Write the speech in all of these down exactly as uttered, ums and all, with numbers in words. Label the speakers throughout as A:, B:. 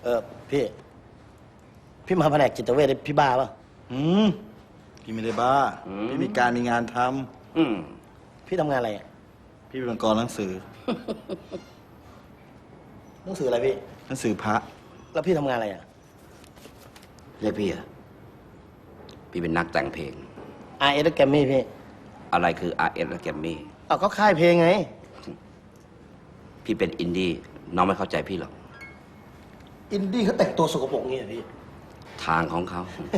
A: เออพี่ พี่มาแผนกจิตเวชพี่บ้าป่ะ
B: อืมพี่ไม่ได้บ้า พี่มีการมีงานทำ
C: อืม
A: พี่ทำงานอะไรอ่ะ
B: พี่เป็นกรหนังสือ
A: หนังสืออะไรพี่
B: หนังสือพระ
A: แล้วพี่ทำงานอะไรอ่ะ
C: เรียกพี่อะพี่เป็นนักแต่งเพลง
A: อาร์ เอส แกรมมี่พี่
C: อะไรคือ อาร์ เอส และแกมมี่
A: เอาก็ค่ายเพลงไง
C: พี่เป็นอินดี้น้องไม่เข้าใจพี่หรอก
A: อินดี้เขาแต่งตัวสกปรกงี้เหรอพี่
C: ทางของเขา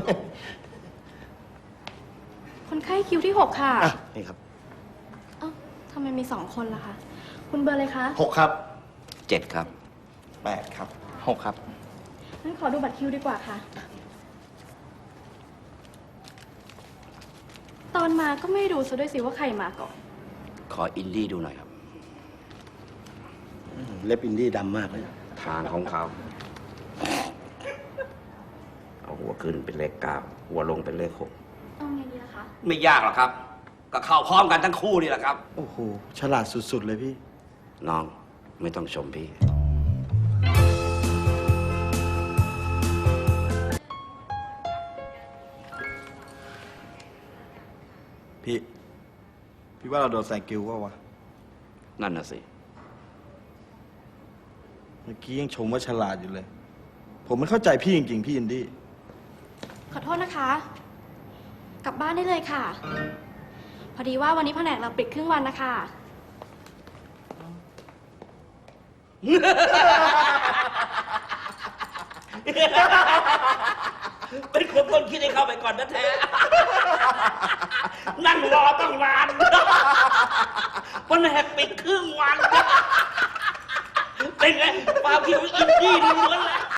D: คนไข้คิวที่หกค่ะ
A: อ่ะ นี่ครับ
D: เอ้าทำไมมีสองคนล่ะคะ คุณเบอร์เลยคะ
A: หกครับ
C: เจ็ดครับ
B: แปดครับ หกครับ
D: งั้นขอดูบัตรคิวดีกว่าค่ะ ตอนมาก็ไม่ดูซะด้วยสิว่าใครมาก่อน
C: ขออินดี้ดูหน่อยครับ
A: เล็บอินดี้ดำมากเลย
C: ทางของเขา เอาหัวขึ้นเป็นเลขเก้าหัวลงเป็นเลขหก
D: เอาไงดีล่ะคะ
C: ไม่ยากหรอกครับ ก็เข้าพร้อมกันทั้งคู่นี่แหละครับ
B: โอ้โห ฉลาดสุดๆเลยพี่
C: น้องไม่ต้องชมพี่
B: พี่ พี่ว่าเราโดนแซงกิวว่าวะ
C: นั่นน่ะสิ
B: เมื่อกี้ยังชมว่าฉลาดอยู่เลย ผมไม่เข้าใจพี่จริงๆ พี่อินดี้
D: ขอโทษนะคะ กลับบ้านได้เลยค่ะ พอดีว่าวันนี้แผนกเราปิดครึ่งวันนะคะ
C: เป็นคนต้นคิดให้เข้าไปก่อนนะแท้ นั่งรอตั้งนานแผนกปิดครึ่งวัน เป็นไงความคิดของอินดี้ล้วนๆแล้ว